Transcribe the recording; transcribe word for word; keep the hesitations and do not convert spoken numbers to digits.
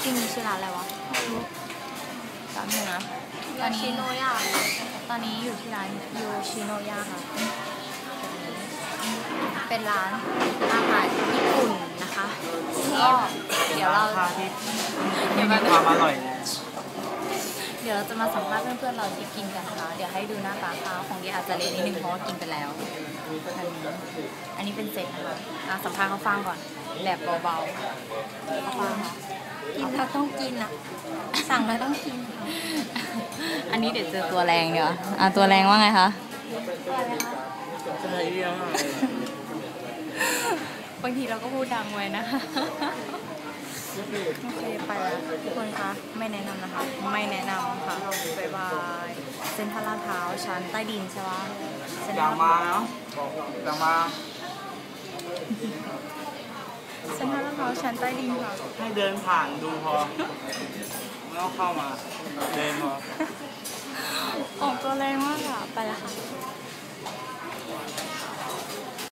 ริงๆชื่อร้านอะไรวะร้านนึงนะตอนนี้ชิโนยาตอนนี้อยู่ที่ร้านยูชิโนยาค่ะเป็นร้านอาหารญี่ปุ่นนะคะก็เดี๋ยวเราเดี๋ยวมาความอร่อยเดี๋ยวเราจะมาสัมภาษณ์เพื่อนๆเราที่กินกันนะคะเดี๋ยวให้ดูหน้าตาข้าวของเดียอาจจะเละนิดนึงเพราะว่ากินไปแล้วอันนี้เป็นเซตนะคะสัมภาษณ์เขาฟังก่อนแบบเบาๆฟังค่ะกินแล้วต้องกินอ่ะสั่งแล้วต้องกินอันนี้เดี๋ยวเจอตัวแรงเดี๋ยวอ่ะตัวแรงว่าไงคะใช่เรื่องบางทีเราก็พูดดังไว้นะคะโอเคไปแล้วทุกคนคะไม่แนะนำนะคะไม่แนะนำค่ะบ๊ายบายเซ็นทรัลลาดพร้าวชั้นใต้ดินใช่ไหมอย่างมาเนาะอย่างมาเซ็นทรัลลาดพร้าวชั้นใต้ดินค่ะให้เดินผ่านดูพอไม่ต้องเข้ามาเดินพอออกตัวแรงมากค่ะไปแล้วค่ะ